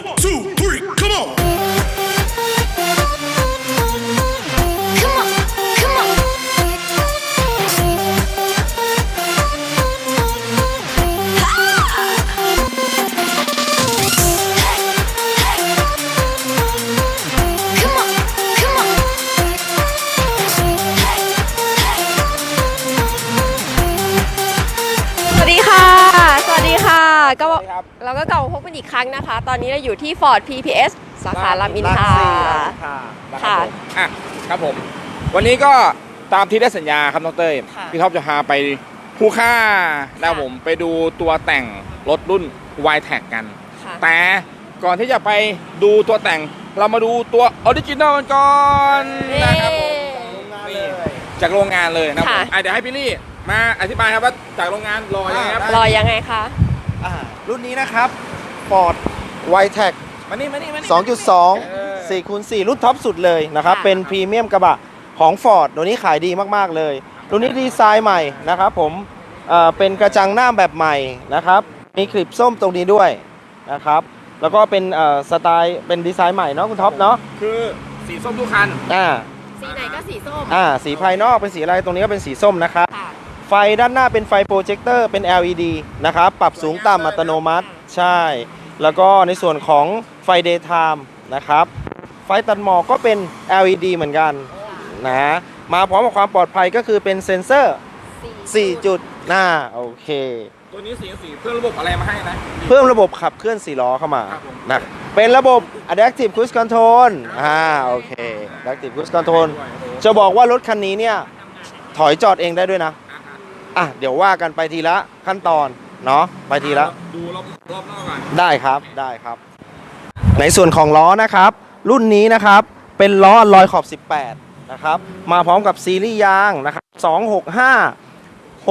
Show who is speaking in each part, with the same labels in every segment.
Speaker 1: One, two, three, come on.
Speaker 2: Come on, come on.
Speaker 3: สวัสดีค่ะ สวัสดีค่ะก็เราก็กลับมาพบกันอีกครั้งนะคะ ตอนนี้เราอยู่ที่ Ford PPS สาขารามอินทราค่ะ
Speaker 4: ครับผมวันนี้ก็ตามที่ได้สัญญาครับน้องเต้ย
Speaker 3: ค่ะ
Speaker 4: พี่ท็อปจะพาไปคู่ค่านะครับผมไปดูตัวแต่งรถรุ่น Y-Tech กัน
Speaker 3: ค่ะ
Speaker 4: แต่ก่อนที่จะไปดูตัวแต่งเรามาดูตัวออริจินอลกันก่อนนะครับผมนี่จากโรงงานเลยนะครับผมเดี๋ยวให้พี่ลี่มาอธิบายครับว่าจากโรงงานรอยังไงครับ
Speaker 3: รอยังไงคะ
Speaker 5: รุ่นนี้นะครับ Ford Y-Tech
Speaker 4: มานี่
Speaker 5: 2.2 4x4 รุ่นท็อปสุดเลยนะครับ เป็นพรีเมียมกระบะของ Ford ตัวนี้ขายดีมากๆเลยรุ่นนี้ดีไซน์ใหม่นะครับผมเป็นกระจังหน้าแบบใหม่นะครับมีคลิปส้มตรงนี้ด้วยนะครับแล้วก็เป็นสไตล์เป็นดีไซน์ใหม่เนาะคุณท็อปเนาะ
Speaker 4: คือสีส้มทุกคัน
Speaker 3: สีไหนก็สีส้ม
Speaker 5: สีภายนอกเป็นสีอะไรตรงนี้ก็เป็นสีส้มนะครับ
Speaker 3: ค่ะ
Speaker 5: ไฟด้านหน้าเป็นไฟโปรเจคเตอร์เป็น LED นะครับปรับสูงต่ำอัตโนมัติใช่ แล้วก็ในส่วนของไฟ Daytime นะครับไฟตัดหมอกก็เป็น LED เหมือนกันนะมาพร้อมกับความปลอดภัยก็คือเป็นเซ็นเซอร์ 4 จุดโอเค
Speaker 4: ตัวนี้สีเพื่อระบบอะไรมาให้นะ
Speaker 5: เพิ่มระบบขับเคลื่อน4ล้อเข้ามา
Speaker 4: ครับผม
Speaker 5: นะเป็นระบบ Adaptive Cruise Control โอเค Adaptive Cruise Control จะบอกว่ารถคันนี้เนี่ยถอยจอดเองได้ด้วยนะเดี๋ยวว่ากันไปทีละขั้นตอนเนาะไปทีละ
Speaker 4: ดูรอบนอกก่อน
Speaker 5: ได้ครับ ในส่วนของล้อนะครับ รุ่นนี้นะครับเป็นล้อลอยขอบ 18 นะครับ มาพร้อมกับซีรีส์ยางนะครับ265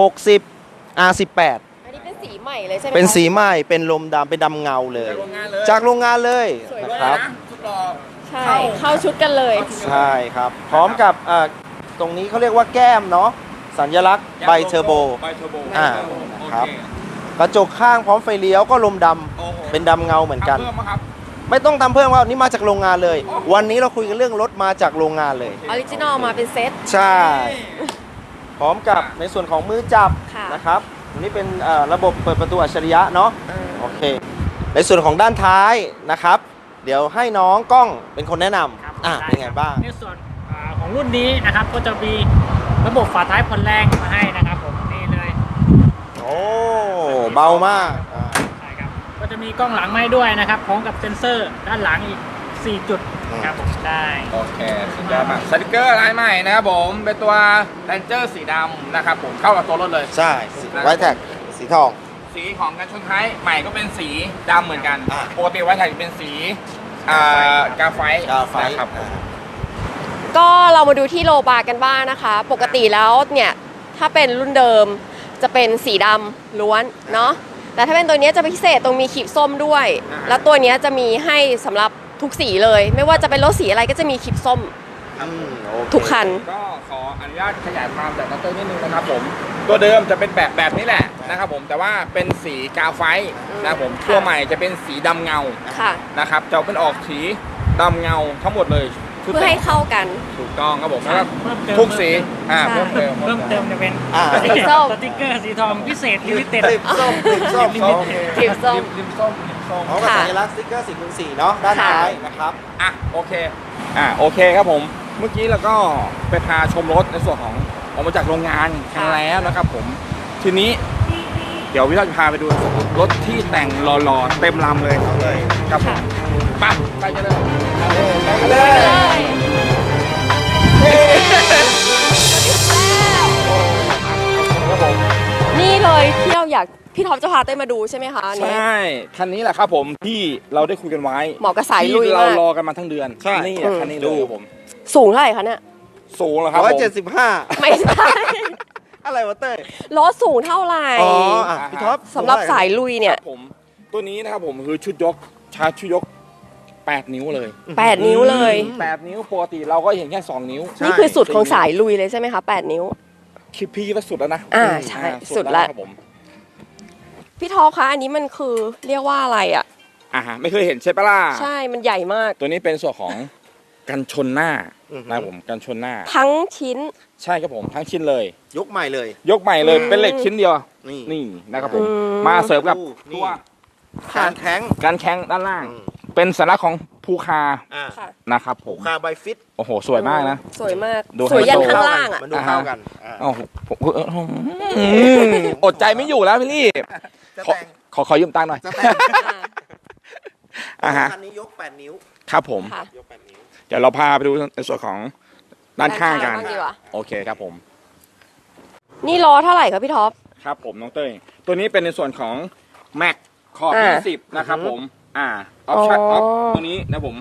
Speaker 5: 60 R18
Speaker 3: อันนี้เป็นสีใหม่เลยใช่ไหมคะ
Speaker 5: เป็นสีใหม่เป็นลมดำเป็นดำเงาเลย จากโรงงานเลย
Speaker 3: สวย
Speaker 5: นะ
Speaker 3: มาก
Speaker 5: ครับ
Speaker 4: สุดหล่อ
Speaker 3: ใช่ เข้าชุดกันเลย
Speaker 5: ใช่ครับ พร้อมกับตรงนี้เขาเรียกว่าแก้มเนาะสัญลักษณ์ไบเทอร์โบ
Speaker 4: ไบเทอร์โบ
Speaker 5: ครับ กระจกข้างพร้อมไฟเลี้ยวก็ลมดำ
Speaker 4: โอ้โห
Speaker 5: เป็นดำเงาเหมือนกัน
Speaker 4: เพิ่มมาครับ
Speaker 5: ไม่ต้องทำเพิ่มครับนี่มาจากโรงงานเลย วันนี้เราคุยกันเรื่องรถมาจากโรงงานเลย
Speaker 3: ออริจินอลมาเป็นเซต
Speaker 5: ใช่ พร้อมกับในส่วนของมือจับ
Speaker 3: ค่ะ
Speaker 5: นะครับอันนี้เป็นระบบเปิดประตูอัจฉริยะเนาะโอเค ในส่วนของด้านท้ายนะครับ เดี๋ยวให้น้องกล้องเป็นคนแนะนำเป็นไงบ้าง
Speaker 6: ในส่วนของรุ่นนี้นะครับก็จะมีระบบฝาท้ายผ่อนแรงมาให้นะครับผมนี่เลย
Speaker 5: โอ้เบามาก
Speaker 6: ใช่ครับก็จะมีกล้องหลังมาให้ด้วยนะครับพร้อมกับเซ็นเซอร์ด้านหลังอีก 4 จุดครับผมได้
Speaker 4: โอเคสุดยอดมากสติกเกอร์ลายใหม่นะครับผมเป็นตัวแรนเจอร์สีดำนะครับผมเข้ากับตัวรถเลย
Speaker 5: ใช่ไวแท็กสีทอง
Speaker 4: สีของกันชนท้ายใหม่ก็เป็นสีดำเหมือนกัน
Speaker 5: อ่า
Speaker 4: ปกติไวท์ไทยเป็นสีกาไฟ นะครับ
Speaker 3: ก็เรามาดูที่โลบาร์กันบ้างนะคะ ปกติแล้วเนี่ยถ้าเป็นรุ่นเดิมจะเป็นสีดำล้วนเนาะแต่ถ้าเป็นตัวนี้จะพิเศษตรงมีขีดส้มด้วย แล้วตัวนี้จะมีให้สำหรับทุกสีเลย ไม่ว่าจะเป็นรถสีอะไรก็จะมีขีดส้ม
Speaker 5: โอเค
Speaker 3: ทุกคัน
Speaker 4: ก็ขออนุญาตขยายความจากนัตเตอร์นิดนึงนะครับผมตัวเดิมจะเป็นแบบนี้แหละนะครับผมแต่ว่าเป็นสีกาไฟนะครับผมตัวใหม่จะเป็นสีดำเงา
Speaker 3: ค่ะ
Speaker 4: นะครับจะเป็นออกสีดำเงาทั้งหมดเลยชุด
Speaker 3: เพื่อให้เข้ากัน
Speaker 4: ถูกต้องครับผมแล้วก็
Speaker 6: เพิ่มเติม
Speaker 4: ทุกสี
Speaker 3: ใช่
Speaker 4: เพิ่มเติม
Speaker 6: เพิ่มเติมจะเป็น
Speaker 3: สีส้ม
Speaker 6: สติ๊กเกอร์สีทองพิเศษลิมิเต็ด
Speaker 5: คลิปส้มคลิปส้ม
Speaker 6: ลิมิเต็ด
Speaker 3: คลิปส้ม
Speaker 4: ริมส้ม
Speaker 5: พร้อมกับสัญลักษณ์สติ๊กเกอร์4x4 เนาะด้านท้ายนะครับ
Speaker 4: โอเคโอเคครับผมเมื่อกี้เราก็ไปพาชมรถในส่วนของออกมาจากโรงงานกันแล้วนะครับผมทีนี้เดี๋ยวพี่ต้าจะพาไปดูรถที่แต่งหล่อๆเต็มลำเลยครับผมไปกันเลยไปกันเลย ครับผม
Speaker 3: นี่เลยที่เราอยากพี่ท็อปจะพาเต้ยมาดูใช่ไหมคะอัน
Speaker 4: ใช
Speaker 3: นี้
Speaker 4: ่คันนี้แหละครับผมที่เราได้คุยกันไว้
Speaker 3: เหมาะกับสายลุย
Speaker 4: ที่เรา
Speaker 3: มาก
Speaker 4: รอกันมาทั้งเดือน
Speaker 5: ใช่
Speaker 4: นี่แหละคันนี้เลยครับผม
Speaker 3: สูงเท่าไหร่คะเนี่ย
Speaker 4: สูงเหรอครับผม
Speaker 5: 175
Speaker 3: ไม่ใช่
Speaker 5: อะไรวะเต้ย
Speaker 3: รถสูงเท่าไหร่
Speaker 5: พี่ท็อป
Speaker 3: สำหรับสายลุยเนี่ย
Speaker 4: ผมตัวนี้นะครับผมคือชุดยกชุดยก8 นิ้วเลย
Speaker 3: 8 นิ้วเลย
Speaker 4: 8 นิ้วปกติเราก็เห็นแค่2 นิ้ว
Speaker 3: นี่คือสุดของสายลุยเลยใช่ไหมคะ 8 นิ้ว
Speaker 4: คิดพี่ว่าสุดแล้วนะ
Speaker 3: ใช่สุดละ
Speaker 4: ครับผม
Speaker 3: พี่ท็อปคะอันนี้มันคือเรียกว่าอะไรอ่ะ
Speaker 4: ฮะไม่เคยเห็นใช่ปะล่ะ
Speaker 3: ใช่มันใหญ่มาก
Speaker 4: ตัวนี้เป็นส่วนของกันชนหน้า
Speaker 5: อือฮึ
Speaker 4: นะครับผมกันชนหน้า
Speaker 3: ทั้งชิ้น
Speaker 4: ใช่ครับผมทั้งชิ้นเลย
Speaker 5: ยกใหม่เลย
Speaker 4: ยกใหม่เลย
Speaker 3: อืม
Speaker 4: เป็นเหล็กชิ้นเดียว
Speaker 5: นี่
Speaker 4: นี่นะครับผม
Speaker 3: อืม
Speaker 4: มาเสริมกับ
Speaker 5: นี่
Speaker 4: ตัว
Speaker 3: ค่ะ
Speaker 5: การแข็ง
Speaker 4: การแข้งด้านล่าง
Speaker 5: อืม
Speaker 4: เป็นสัญลักษณ์ของภูคา
Speaker 5: อ่า
Speaker 3: ค่ะ
Speaker 4: นะครับผม
Speaker 5: คาไบฟิต
Speaker 4: โอ้โหสวยมากนะ
Speaker 3: สวยมาก
Speaker 4: ดู
Speaker 3: สวยยัน
Speaker 4: ไฮโซ
Speaker 3: ข้างล่างอ่ะ
Speaker 5: มันดูเข้ากันอ่า
Speaker 4: โอ้โหอดใจไม่อยู่แล้วพี่ลี่
Speaker 5: จะ
Speaker 4: ขอ
Speaker 5: แต่ง
Speaker 4: ขอยืมตังค์หน่อย
Speaker 5: จะแต่ง
Speaker 4: อ่าฮะ
Speaker 5: คันนี้ยก 8 นิ้ว
Speaker 4: ครับผม
Speaker 3: ค่ะ
Speaker 5: ยก 8 นิ้ว
Speaker 4: เดี๋ยวเราพาไปดูในส่วนของด้านข้างกัน
Speaker 3: ด้านข้างบ้างดีกว่า
Speaker 4: โอเคครับผม
Speaker 3: นี่ล้อเท่าไหร่ครับพี่ท็อป
Speaker 4: ครับผมน้องเต้ยตัวนี้เป็นในส่วนของแม็กขอบ 20 นะครับผมออปชั่น
Speaker 3: อ๋อ
Speaker 4: ตัวนี้นะผม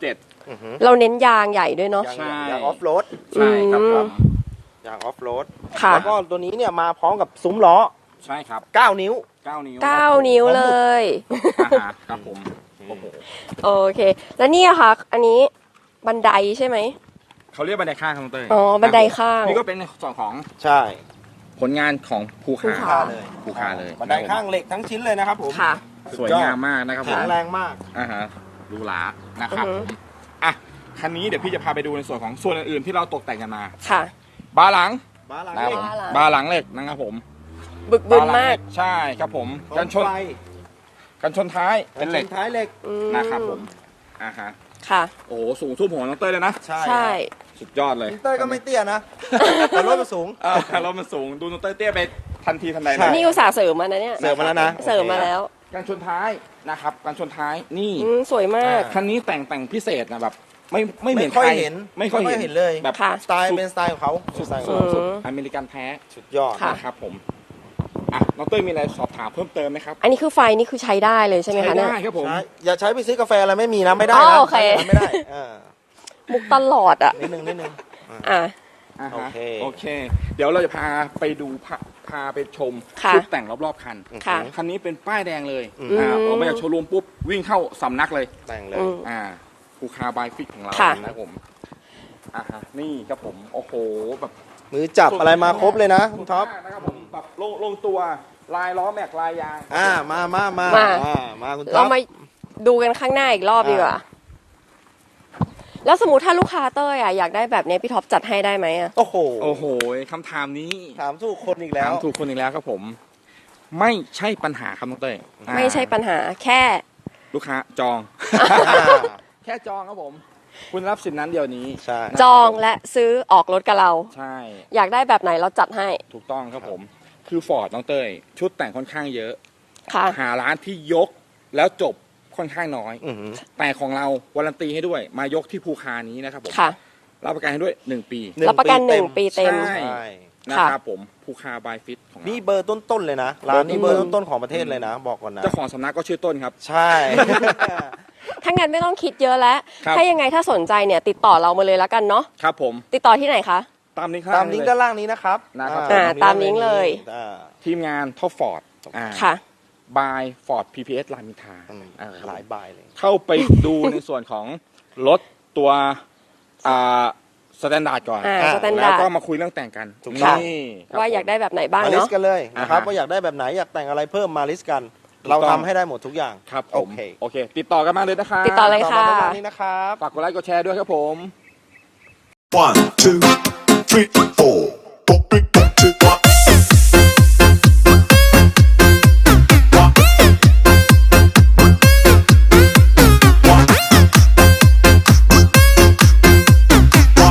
Speaker 4: 37
Speaker 5: อือหือ
Speaker 3: เราเน้นยางใหญ่ด้วยเนาะ
Speaker 5: ยาง
Speaker 4: ใช่
Speaker 5: ยางออฟโรด
Speaker 4: ใช่ครับผม
Speaker 5: ยางออฟโรด
Speaker 3: ค่ะ
Speaker 5: แล้วก็ตัวนี้เนี่ยมาพร้อมกับซุ้มล้อ
Speaker 4: ใช่ครับ
Speaker 5: 9 นิ้ว
Speaker 4: 9 นิ้ว
Speaker 3: 9 นิ้วเลย
Speaker 4: ครับผมโอ้โห
Speaker 3: โอเค แล้วนี่อะค่ะ อันนี้บันไดใช่ไหม
Speaker 4: เขาเรียกบันไดข้างครับน้องเต้ย
Speaker 3: อ๋อบันไดข้าง
Speaker 4: นี่ก็เป็นในส่วนของ
Speaker 5: ใช่
Speaker 4: ผลงานของภู
Speaker 3: ภู
Speaker 4: คา
Speaker 3: คา
Speaker 5: เลย
Speaker 4: ภูคาเลย
Speaker 5: บันไดข้างเหล็กทั้งชิ้นเลยนะครับผม
Speaker 3: ค่ะ
Speaker 4: สวยงามมากนะครับผ
Speaker 5: แข็
Speaker 4: ม
Speaker 5: งแรงมาก
Speaker 4: หรูหรานะครับ
Speaker 3: อือ
Speaker 4: ผ
Speaker 3: ฮึ
Speaker 4: มอ่ะคันนี้เดี๋ยวพี่จะพาไปดูในส่วนของส่วนอื่นๆที่เราตกแต่งกันมา
Speaker 3: ค่ะ
Speaker 4: บาร์หลัง
Speaker 5: บ้าหลัง
Speaker 4: นะครับ
Speaker 5: เหล็
Speaker 4: ผ
Speaker 5: ก
Speaker 4: มบาร์หลังเหล็กนะครับผม
Speaker 3: บึกบึน
Speaker 4: บร์หลัง
Speaker 3: มาก
Speaker 4: เหล็ใช่ครับผมกันชน
Speaker 5: ไฟ
Speaker 4: กันชนท้ายเป็นเหล็ก
Speaker 5: ท้ายเหล็ก
Speaker 3: อืม
Speaker 4: นะครับผมฮะ
Speaker 3: ค่ะ
Speaker 4: โอ้โหสูงทุ่มหัวน้องเต้ยเลยนะ
Speaker 5: ใช่
Speaker 3: ใช่
Speaker 4: สุดยอดเลย
Speaker 5: อินเตอร์ก็ไม่เตี้ยนะ แต่รถมันสูง
Speaker 4: รถมันสูงดูน้องเต้ยเตี้ยไปทันทีทันใดเล
Speaker 5: ใช่
Speaker 4: ย
Speaker 3: นี่อุตส่าห์เสริมมานะเนี่ย
Speaker 5: เสริมมาแล้วนะ
Speaker 3: เสริมมาแล้ว
Speaker 4: กันชนท้ายนะครับกันชนท้ายนี่
Speaker 3: สวยมาก
Speaker 4: คันนี้แต่งพิเศษนะแบบไม่เหมือน
Speaker 5: ไม่ค่อย
Speaker 4: ใร
Speaker 5: เห็น
Speaker 4: ไม่ค่อยเห็น
Speaker 5: เลย
Speaker 4: แบบ
Speaker 3: ค่ะ
Speaker 5: สไตล์เป็นสไตล์ของเขาสไตล์ของ
Speaker 3: อื
Speaker 5: เขา
Speaker 3: ม
Speaker 4: สุดอเมริกันแท้
Speaker 5: สุดยอด
Speaker 3: ค่ะ
Speaker 4: นะครับผมอ่ะน้องเต้ยมีอะไรสอบถามเพิ่มเติมไหมครับ
Speaker 3: อันนี้คือไฟนี่คือใช้ได้เลยใช่ไหมคะเนี่ย
Speaker 4: ได้ครับผม
Speaker 5: ใช่อย่าใช้ไปซื้อกาแฟอะไรไม่มีนะไม่ได้
Speaker 3: อ๋
Speaker 5: นะ
Speaker 3: อโอเค
Speaker 5: ใช้ไม่ได้
Speaker 3: มุกตลอดอ่ะ
Speaker 5: นิดนึง
Speaker 3: อ่ะ
Speaker 4: อ่าฮะ
Speaker 5: โอเค
Speaker 4: โอเค เดี๋ยวเราจะพาไปดูพาไปชม
Speaker 3: ค่ะ
Speaker 4: ชุดแต่งรอบๆคัน
Speaker 3: ค่ะ
Speaker 4: คันนี้เป็นป้ายแดงเลย
Speaker 5: อืม
Speaker 4: ออกมาจากโชว์รูมปุ๊บวิ่งเข้าสำนักเลย
Speaker 5: แต่งเลย
Speaker 3: อืม
Speaker 4: ภูคาบายฟิกของเรา
Speaker 3: ค่ะ
Speaker 4: นะครับผมนี่ครับผมโอ้โหแบบ
Speaker 5: มือจับอะไรมาครบเลยนะคุณท็อป
Speaker 4: นะครับผมแบบลงตัวลายล้อแม็กลายยาง
Speaker 5: มาคุณท็
Speaker 3: เรา
Speaker 5: อป
Speaker 3: มาดูกันข้างหน้าอีกรอบดีกว่า แล้วสมมติถ้าลูกค้าเต้ยอ่ะอยากได้แบบนี้พี่ท็อปจัดให้ได้ไหมอ่ะ
Speaker 5: โอ้โห
Speaker 4: โอ้โหคำถามนี้
Speaker 5: ถามถูกคนอีกแล้ว
Speaker 4: ถามถูกคนอีกแล้วครับผม ไม่ใช่ปัญหาครับน้องเต้ย
Speaker 3: ไม่ใช่ปัญหาแค่
Speaker 4: ลูกค้าจอง แค่จองครับผม คุณรับสิทธินั้นเดียวนี้
Speaker 5: ใช่
Speaker 3: จองและซื้อออกรถกับเรา
Speaker 4: ใช่
Speaker 3: อยากได้แบบไหนเราจัดให้
Speaker 4: ถูกต้องครับผม คือฟอร์ดน้องเต้ยชุดแต่งค่อนข้างเยอะ
Speaker 3: ค่ะ
Speaker 4: หาร้านที่ยกแล้วจบค่อนข้างน้อย
Speaker 5: อื้อหือ
Speaker 4: แต่ของเราวารันตีให้ด้วย มายกที่ภูคานี้นะครับผม
Speaker 3: ค่ะ
Speaker 4: รับประกันให้ด้วย 1 ปี
Speaker 3: รับประกัน1 ปีเต็ม
Speaker 4: ใช่
Speaker 5: ใช่
Speaker 4: นะครับผมภูคาบายฟิตของเรา
Speaker 5: นี่เบอร์ต้นๆเลยนะร้านนี้เบอร์ต้นๆของประเทศเลยนะ บอกก่อนนะ
Speaker 4: เจ้าของสำนักก็ชื่อต้นครับ
Speaker 5: ใช่
Speaker 3: ถ้างั้นไม่ต้องคิดเยอะแล้ว
Speaker 4: ครับ
Speaker 3: ถ้ายังไงถ้าสนใจเนี่ยติดต่อเรามาเลยแล้วกันเนาะ
Speaker 4: ครับผม
Speaker 3: ติดต่อที่ไหนคะ
Speaker 4: ตามนี้ครับ
Speaker 5: ตามลิงก์ด้านล่างนี้นะครับ
Speaker 4: นะครับ
Speaker 3: ตามลิงก์เลย
Speaker 5: อ่า
Speaker 4: ทีมงานท็อปฟอร์ด
Speaker 3: ค่ะ
Speaker 4: บายฟอร์ด PPS รามอินทรา
Speaker 5: หลายบายเลย
Speaker 4: เข้าไปดูในส่วนของรถตัวสแตนดาร์ดก่อน
Speaker 3: สแตน
Speaker 4: แล้
Speaker 3: ดาว ร์
Speaker 4: ก็
Speaker 3: ด
Speaker 4: มาคุยเรื่องแต่งกัน
Speaker 5: ถูกต้อง
Speaker 4: นี่ครับ
Speaker 3: ว่าอยากได้แบบไหนบ้าง
Speaker 5: มาลิส
Speaker 3: เนาะ
Speaker 5: ต์กันเลยนะครับ
Speaker 4: อ่าฮะ
Speaker 5: ว่าอยากได้แบบไหนอยากแต่งอะไรเพิ่มมาลิสต์กัน
Speaker 4: ถูกต้
Speaker 5: เรา
Speaker 4: อง
Speaker 5: ทำให้ได้หมดทุกอย่าง
Speaker 4: ครับผ
Speaker 5: โอ
Speaker 4: ม
Speaker 5: เค
Speaker 4: โอเค ติดต่อกันมาเลยนะครับ
Speaker 3: ติดต่อเลย
Speaker 5: ต่อ
Speaker 3: ค่ะ
Speaker 5: มาประมาณนี้นะครับ
Speaker 4: ฝากกดไลค์กดแชร์ด้วยครับผม
Speaker 2: 1, 2, 3, 4